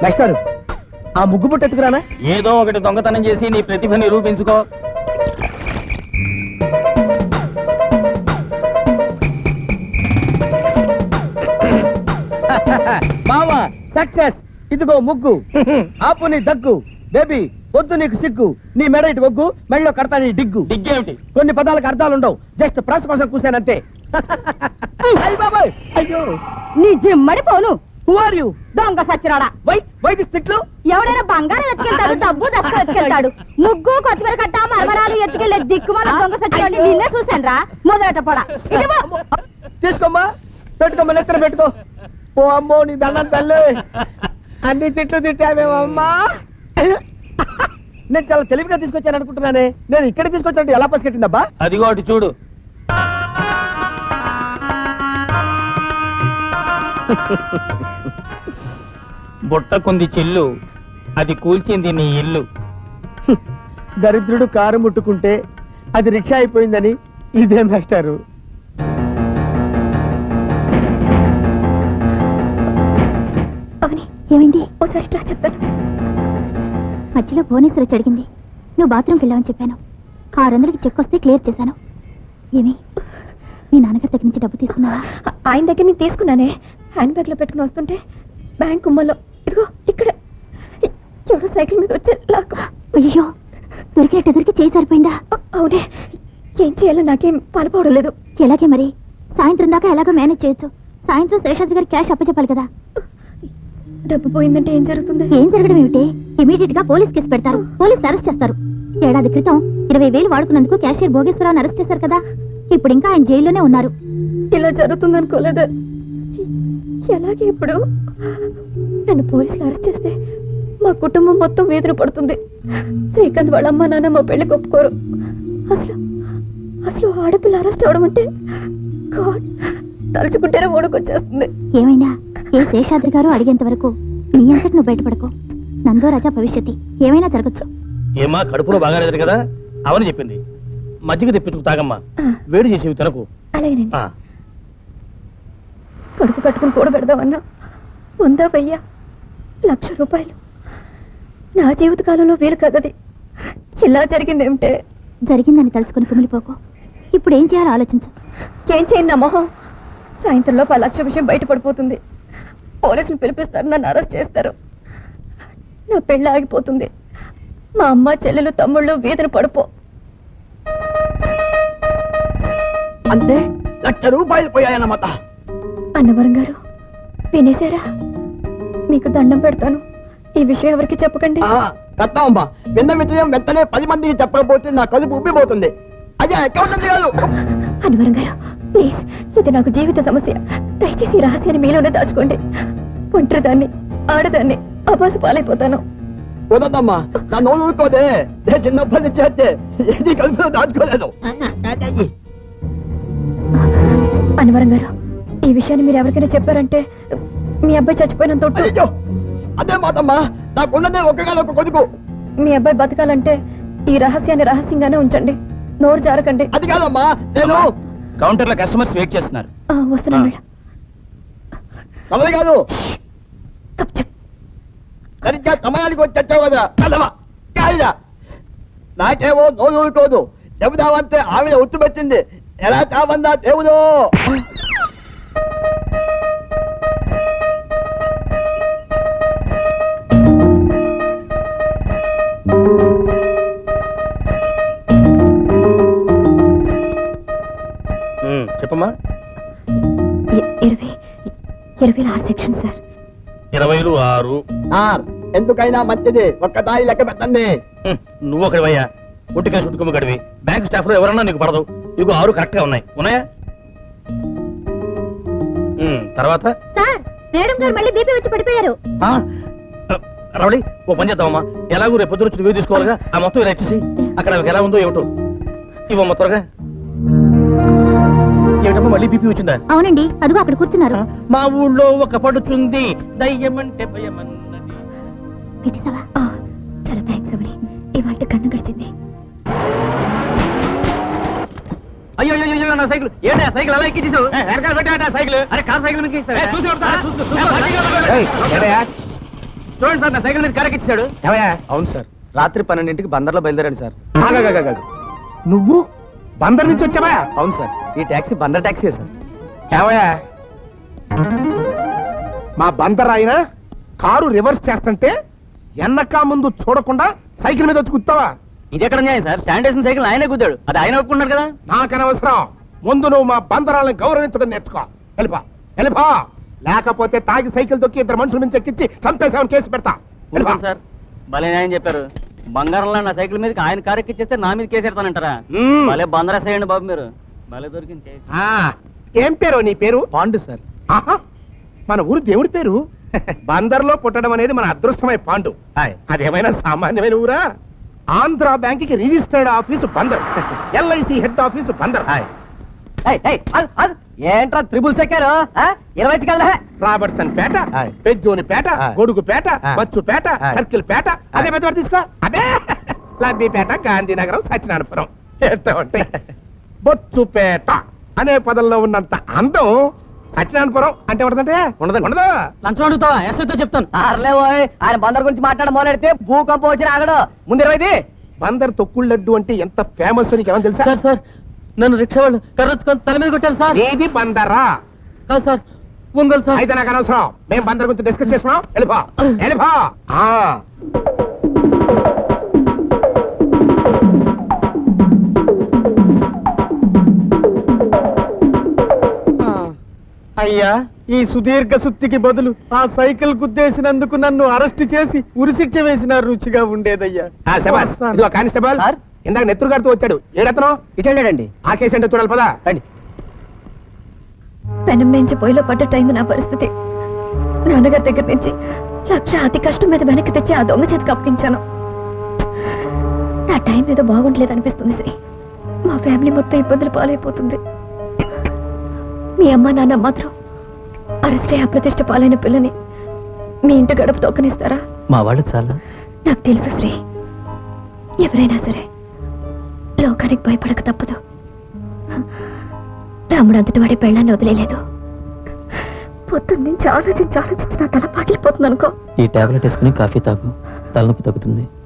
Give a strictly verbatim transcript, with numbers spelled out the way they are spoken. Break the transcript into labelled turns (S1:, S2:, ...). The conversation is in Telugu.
S1: మాస్టారు ఆ ముగ్గు బుట్ట ఎత్తుకురానా?
S2: ఏదో ఒకటి దొంగతనం చేసి నీ ప్రతిభ నిరూపించుకో.
S1: మావా సక్సెస్. ఇదిగో ముగ్గు. ఆపు నీ దగ్గు. బేబీ వద్దు నీకు సిగ్గు. నీ మెడ ఇటు ఒగ్గు, మెడలో కడతా నీ డిగ్గు.
S2: డిగ్గేమిటి?
S1: కొన్ని పదాలకు అర్థాలు ఉండవు, జస్ట్ ప్రెస్ కోసం కూసానంతే. అయ్యో
S3: నీ జిమ్మడి పోను.
S1: Who are you?
S3: దొంగ సచ్చిరాడా.
S1: వై వై దిస్ తిట్లు?
S3: ఎవడైనా బంగారం ఎత్తుకెళ్తాడు, డబ్బు దస్క ఎత్తుకెళ్తాడు. ముగ్గు కొత్తిమీర కట్ట మరమరాలు ఎత్తుకెళ్లే దిక్కుమాల దొంగ సచ్చిరాడు నిన్నే చూశాను రా. మొదలట పొడ
S1: తీసుకోమ్మా, పెట్టుకోమ్మా, నెత్తర పెట్టుకో. ఓ అమ్మో నీ దండం తల్లి, అన్ని తిట్లు తిట్టామేమమ్మా. నేను చాలా తెలివిగా తీసుకొచ్చాను అనుకుంటున్నానే, నేను ఇక్కడ తీసుకొచ్చానంటే ఎలా పసిగట్టిందబ్బా?
S2: అదిగో అటు చూడు. బుట్టకుంది చిల్లు, అది కూల్చింది నీ ఇల్లు.
S1: దరిద్రుడు కారు ముట్టుకుంటే అది రిక్షా అయిపోయిందని ఇదే మాస్టారు.
S4: అవని ఏమైంది? ఓసారి ట్రా చెప్తాను. మధ్యలో భువనేశ్వరి వచ్చి అడిగింది, నువ్వు బాత్రూమ్కి వెళ్ళావని చెప్పాను. ఆరు వందలకి చెక్ వస్తే క్లియర్ చేశాను. ఏమి మీ నాన్నగారి దగ్గర నుంచి డబ్బు తీసుకున్నావా?
S3: ఆయన దగ్గర నేను తీసుకున్నానే, హ్యాండ్ బ్యాగ్ లో పెట్టుకుని వస్తుంటే బ్యాంక్ కుమ్మల్లో ఇదిగో ఇక్కడ ఎవడో సైకిల్ మీద వచ్చే లాక్.
S4: అయ్యో, దొరికినట్టు ఎదురికి చేయి సరిపోయిందా?
S3: అవునే, ఏం చేయాలో నాకేం పాల్పోవడం లేదు.
S4: ఎలాగే మరి, సాయంత్రం దాకా ఎలాగో మేనేజ్ చేయొచ్చు. సాయంత్రం శేషాద్రి గారి క్యాష్ అప్పచెప్పాలి కదా.
S3: డబ్బు పోయిందంటే ఏం జరుగుతుంది?
S4: ఏం జరగడం ఏమిటి, ఇమీడియట్ గా పోలీస్ కేసు పెడతారు, పోలీస్ అరెస్ట్ చేస్తారు. ఏడాది క్రితం ఇరవై వేలు వాడుకున్నందుకు క్యాషియర్ భోగేశ్వరరావుని అరెస్ట్ చేశారు కదా, ఇప్పుడు ఇంకా ఆయన జైల్లోనే ఉన్నారు.
S3: ఇలా జరుగుతుంది అనుకోలేదు. ఎలాగే ఇప్పుడు నన్ను పోలీసులు అరెస్ట్ చేస్తే మా కుటుంబం మొత్తం వేదన పడుతుంది. శ్రీకాంత్ వాళ్ళ అమ్మ నాన్న మా పెళ్లి ఒప్పుకోరు. అసలు అసలు ఆడపిల్ల అరెస్ట్ అవడం అంటే గాడ్, తలుచుకుంటేనే ఓడుకొచ్చేస్తుంది.
S4: ఏమైనా ఏ శేషాద్రి గారు అడిగేంత వరకు నీ అంతటి నువ్వు బయటపడకు. నందో రాజా భవిష్యత్తు ఏమైనా జరగచ్చు.
S2: ఏమా కడుపులో బాగా లేదు కదా, అవని చెప్పింది. మజ్జిగ తెప్పించుకు తాగమ్మా, వేడి చేసేవి తినకు.
S3: అలాగేనండి. కడుపు కట్టుకుని కూడా పెడదామన్నా వందా వెయ్యా లక్ష రూపాయలు నా జీవితకాలంలో వీలు కదది. ఇలా జరిగిందేమిటే?
S4: జరిగిందని తలుచుకుని కుమిలిపోకు. ఇప్పుడు ఏం చేయాలో ఆలోచించు.
S3: ఏం చేయండి నా మొహం? సాయంత్రంలో పది లక్ష విషయం బయటపడిపోతుంది. పోలీసులు పిలిపిస్తారు, నన్ను అరెస్ట్ చేస్తారు. నా పెళ్ళి ఆగిపోతుంది. మా అమ్మ చెల్లెలు తమ్ముళ్ళు వీధిని పడిపో.
S1: అంతే లక్ష రూపాయలు పోయాయన్నమాట.
S3: అన్నవరం గారు వినేశారా? మీకు దండం పెడతాను, ఈ విషయం ఎవరికి చెప్పకండి.
S1: కట్టామమ్మా, విన్న విషయం వెంటనే పది మందికి చెప్పకపోతే నా కడుపు ఉబ్బిపోతుంది. అయ్యా అకౌంట్ కాదు.
S3: అన్నవరం గారు ప్లీజ్, ఇది నాకు జీవిత సమస్య. దయచేసి ఈ రహస్యాన్ని మీలోనే దాచుకోండి. ఒంటరిదాన్ని, ఆడదాన్ని, అబాసు పాలైపోతాను.
S1: వదమ్మా, నా నోరు ఊరుకోదే. చిన్నప్పటి నుంచి అయితే ఏది కలుపులో దాచుకోలేదు.
S3: అన్నవరం గారు, ఈ విషయాన్ని మీరు ఎవరికైనా చెప్పారంటే మీ అబ్బాయి చచ్చిపోయినంత ఒట్టు.
S1: అదే మాతమ్మా, నాకున్నదే ఒక్కగా ఒక కొడుకు.
S3: మీ అబ్బాయి బతకాలంటే ఈ రహస్యాన్ని రహస్యంగానే ఉంచండి, నోరు జారకండి.
S1: అది కాదమ్మా, నేను
S2: కౌంటర్ లో కస్టమర్స్ వెయిట్ చేస్తున్నారు.
S3: వస్తున్నాను మేడం.
S1: కమలు కాదు,
S3: తప్ప
S1: సరిగ్గా సమయానికి వచ్చి వచ్చావు కదా కదమ్మా. కాదురా, నాకేమో నోరు ఊరుకోదు. చెబుదామంటే ఆవిడ ఉత్తు పెట్టింది. ఎలా చావందా దేవుడు.
S2: చెప్పమ్మా.
S3: ఇరవై ఇరవై ఆరు సెక్షన్ సార్.
S2: ఇరవైలు ఆరు.
S1: ఎందుకైనా మంచిది ఒక్కదారి లెక్క పెట్టండి.
S2: నువ్వు ఒకటివయ్యా, ఒంటికాయ చుట్టుకుమ్మ గడివి. బ్యాంక్ స్టాఫ్ లో ఎవరన్నా నీకు పడదు. ఇగో ఆరు కరెక్ట్ గా ఉన్నాయి. ఉన్నాయా? తర్వాత
S4: సార్, మేడం గారు మళ్ళీ బీపీ వచ్చి పడిపోయారు.
S2: రవళి, ఓ పని చేద్దామమ్మా. ఎలాగో రేపు పొద్దున వచ్చి నువ్వే తీసుకోవాలిగా. ఆ మొత్తం ఇలా ఇచ్చేసి అక్కడ ఎలా ఉందో ఏమిటో ఇవ్వమ్మ త్వరగా. ఏమిటమ్మా మళ్ళీ బీపీ వచ్చిందా?
S4: అవునండి, అదిగో అక్కడ కూర్చున్నారు.
S2: మా ఊళ్ళో ఒక పడుచుంది దయ్యమంటే భయమన్నది.
S4: పెట్టేసావా?
S3: చాలా థ్యాంక్స్ అవని, ఇవాళ కన్ను గడిచింది.
S2: అయ్యో అయ్యో నా సైకిల్ ఏంటి? ఆ సైకిల్ అలా ఎక్కించేసావు? వెనకాల పెట్టా సైకిల్. అరే కార్ సైకిల్ మీద చూసి
S1: చూడండి సార్ నా సైకిల్ మీద కరెక్కిచ్చాడు.
S5: ఏమయ్యా
S2: అవును సార్ రాత్రి పన్నెండింటికి బందర్లో బయలుదేరాడు సార్.
S5: ఆగాగాగాగా. నువ్వు బందర్ నుంచి వచ్చావా?
S2: అవును సార్ ఈ ట్యాక్సీ బందర్ ట్యాక్సీ సార్.
S5: ఏమయ్యా మా బందర్ ఆయన కారు రివర్స్ చేస్తుంటే ఎన్నకా ముందు చూడకుండా సైకిల్ మీద వచ్చి కుత్తావా?
S1: ఇది ఎక్కడ న్యాయం సార్? స్టాండ్ వేసిన సైకిల్ ఆయనే కుద్దాడు, అది ఆయన ఒప్పుకున్నాడు కదా.
S5: నాకనవసరం. ముందు నువ్వు మా బందరాలను గౌరవించడం నేర్చుకో. వెళ్ళిపా వెళ్ళిపా, లేకపోతే తాగి సైకిల్ తొక్కి ఇద్దరు మనుషుల నుంచి ఎక్కించి చంపేసామని కేసు పెడతా. వెళ్ళిపా.
S1: ఊరుకోండి సార్, భలే న్యాయం చెప్పారు. బంగారంలో నా సైకిల్ మీద ఆయన కారు ఎక్కిచ్చేస్తే నా మీద కేసు పెడతానంటారా?
S5: మ్మ్.
S1: భలే బందరేసేయండి బాబు మీరు, భలే దొరికింది కేసు.
S5: ఆ, ఏం పేరు నీ పేరు?
S2: పాండు సార్.
S5: ఆహా, మన ఊరు దేవుడి పేరు. బందర్లో పుట్టడం అనేది మన అదృష్టమై పాండు.
S2: హాయ్.
S5: అదేమైనా సామాన్యమైన ఊరా? ఆంధ్ర బ్యాంక్ కి registered office Bandar, LIC head office Bandar.
S2: Hi.
S1: ఏంట్రా త్రిబుల్స్ ఎక్కారు? ఇరవై కల్లా
S5: Robertsonpet,
S2: hi.
S5: Pezzonipet,
S2: hi.
S5: Godugupeta,
S2: hi.
S5: Bachupeta,
S2: hi.
S5: Circlepet. అదే పెద్ద తీసుకో. అదే లబ్బిపేట, గాంధీనగరం, సత్యనారాయణపురం. ఎంత ఉంటాయి? బొచ్చుపేట అనే పదంలో ఉన్నంత అందం సత్యనారాయణపురం అంటే ఉండదంటే
S2: ఉండదండి.
S5: ఉండదు.
S1: లంచం అడుగుతావా? ఎస్ఐతో చెప్తాను. ఆయన బందర్ గురించి మాట్లాడ మొదలెడితే భూకంపం వచ్చి ఆగడు. ముందు ఇరవైది.
S5: బందర్ తొక్కుడు లడ్డు అంటే ఎంత ఫేమస్ నీకు ఏమని తెలుసా?
S2: సార్ సార్ నన్ను రిక్షా వాళ్ళు కర్రొచ్చుకొని తల మీద కొట్టారు సార్.
S5: ఏది బందరా?
S2: కాదు సార్ ఒంగోలు సార్.
S5: అయితే నాకు అనవసరం. మేము బందర్ గురించి డిస్కస్ చేసుకున్నాం. వెళ్ళిపో వెళ్ళిపో. ఆ.
S6: అయ్యా ఈ సుదీర్ఘ సుత్తికి బదులు ఆ సైకిల్ గుద్దేసినందుకు నన్ను అరెస్ట్ చేసి ఉరిశిక్ష వేసిన రుచిగా ఉండేదయ్యా.
S5: ఆ, శభాష్. ఇదిగో కానిస్టేబుల్,
S1: సార్.
S5: ఇందాక నెత్తురు గారితో వచ్చాడు. ఏడతను
S1: ఇటు వెళ్ళాడండి.
S5: ఆ కేసు అంటే చూడాలి పదా.
S1: రండి.
S3: పెనం మేంచి పొయ్యిలో పడ్డట్టయింది నా పరిస్థితి. నాన్నగారి దగ్గర నుంచి లక్ష అతి కష్టం మీద వెనక్కి తెచ్చి ఆ దొంగ చేతికి అప్పగించాను. నా టైం ఏదో బాగుండలేదు అనిపిస్తుంది శ్రీ. మా ఫ్యామిలీ మొత్తం ఇబ్బందులు పాలైపోతుంది. మీ అమ్మ నాన్న మాత్రం అరెస్ట్ అయ్యి అప్రతిష్ట పాలైన పిల్లని మీ ఇంటి గడప తొక్కనిస్తారా?
S2: మా వాళ్ళు చాలా
S3: నాకు తెలుసు శ్రీ, ఎవరైనా సరే లోకానికి భయపడక తప్పదు. రాముడు అంతటి వాడి పెళ్ళాన్ని వదిలేదు. పొద్దున్నుంచి ఆలోచించి ఆలోచించి నా తల పాకిలిపోతుంది అనుకో.
S2: ఈ టాబ్లెట్ వేసుకుని కాఫీ తాగు, తలనొప్పి తగ్గుతుంది.